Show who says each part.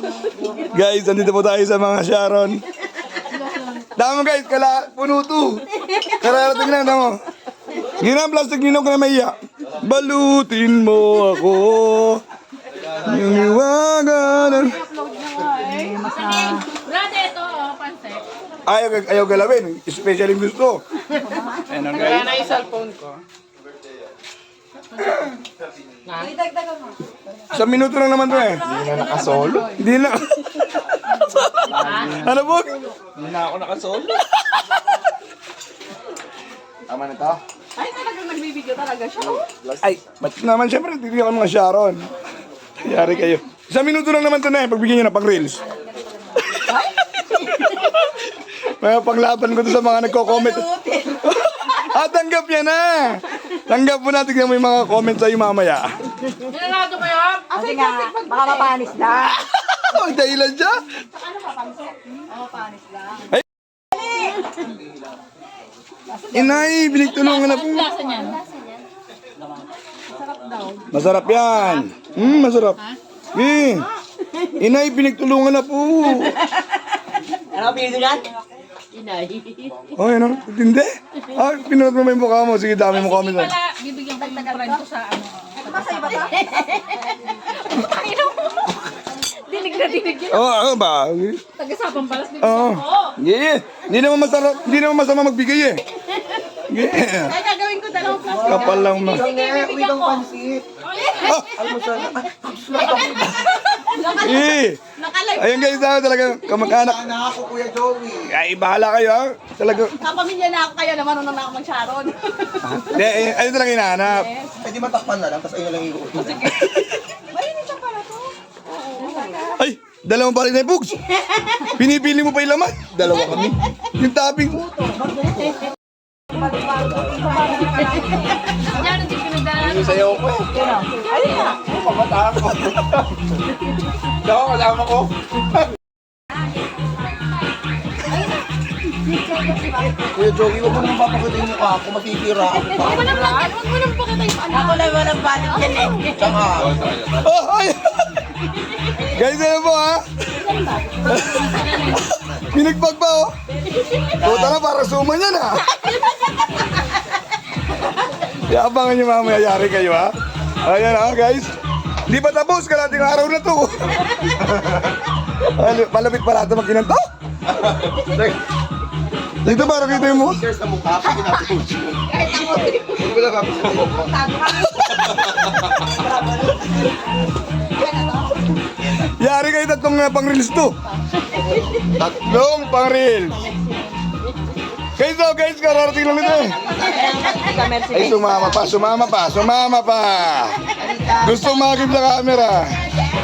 Speaker 1: Guys, andito po tayo sa mga Sharon. Damo guys, puno to. Kararating na, damo. Yun ang plastic ninong ko na maiya. Balutin mo ako. Yung iwagan.
Speaker 2: Brad, ito, pansit.
Speaker 1: Ayaw galawin. Especially gusto. Ayan ang guys.
Speaker 3: Kaya na yung cellphone ko.
Speaker 1: Isang minuto lang naman to eh.
Speaker 3: Hindi na nakasolo.
Speaker 1: Hindi na. Ano po?
Speaker 3: Hindi na ako nakasolo. Tama na to?
Speaker 2: Ay, talagang nagbibigyo talaga siya.
Speaker 1: Ay, ba't naman siyempre, titigyan ko mga Sharon. Yari kayo. Isang minuto lang naman to na eh, pagbigyan nyo na pang reels. May panglaban ko to sa mga nagko-comment. Tanggap yan na. Tanggap mo na, tignan mo yung mga comment sa'yo mamaya.
Speaker 2: Ginanado mo yun?
Speaker 4: Kasi nga, baka mapanis lang.
Speaker 1: Ang dahilan siya.
Speaker 4: Mapanis lang.
Speaker 1: Inay, binigtulungan na po.
Speaker 2: Lasa niyan.
Speaker 1: Masarap yan. Masarap. Eh, inay, pinagtulungan na po.
Speaker 4: Ano pinito yan?
Speaker 2: Inay.
Speaker 1: Oh, ano? Tindi? Pinunod mo ba yung mukha mo? Sige, dami mo comment.
Speaker 2: Hindi pala, bibigyan ko yung friend ko sa ano.
Speaker 4: Masaya ba ito?
Speaker 2: Dinig na dinig yun.
Speaker 1: Oo, ba?
Speaker 2: Tagasapang balas bibigyan
Speaker 1: Oo.
Speaker 2: ko.
Speaker 1: Yeah. Hindi naman masarap, hindi naman masama magbigay eh. Yeah.
Speaker 2: Kaya gagawin ko dalawang plastic.
Speaker 1: Kapal lang ma.
Speaker 2: Sige, bibigyan ko.
Speaker 1: Eh.
Speaker 2: Nakalive.
Speaker 1: Ayun guys, talaga kamag-anak.
Speaker 3: Sana ako, Kuya Joey.
Speaker 1: Ay, bahala kayo ha. Talaga.
Speaker 2: Kapamilya na ako kaya naman nung na ako mag-Sharon.
Speaker 1: Hindi, ayun talaga hinahanap.
Speaker 3: Pwede matakpan na lang, tapos ayun lang yung utos.
Speaker 2: Marinit siya pala to.
Speaker 1: Ay, dalawang balik na yung bugs. Pinipili mo pa yung laman. Dalawa kami. Yung topping.
Speaker 2: Yan, hindi pinagdala.
Speaker 3: Sayaw ko eh. Pamataan ko. Daw, kasama ko. Kuya Joey, huwag mo naman papakita yung mukha ako, matitira ako pa.
Speaker 2: Huwag mo nang pakita, huwag mo nang pakita yung ano.
Speaker 4: Ako lang walang balik yan eh.
Speaker 3: Tsaka,
Speaker 1: Oh, ay. Guys, ano po ha? Pinagpag pa oh. Puta na, para suman yan ha. Iabangan nyo mamaya, yari kayo ha. Ayan ha guys. Hindi pa tapos, kalating araw na to. Malapit pala ito magkinanto. Dito para kita yung mo.
Speaker 3: stickers sa mukha, pag ginapos mo. Huwag mo lang kapit sa mukha.
Speaker 1: Yari kayo tatlong pang-reels to. Tatlong pang-reels. Guys, kararating lang ito eh. Ay, sumama pa. Gusto makakip sa camera.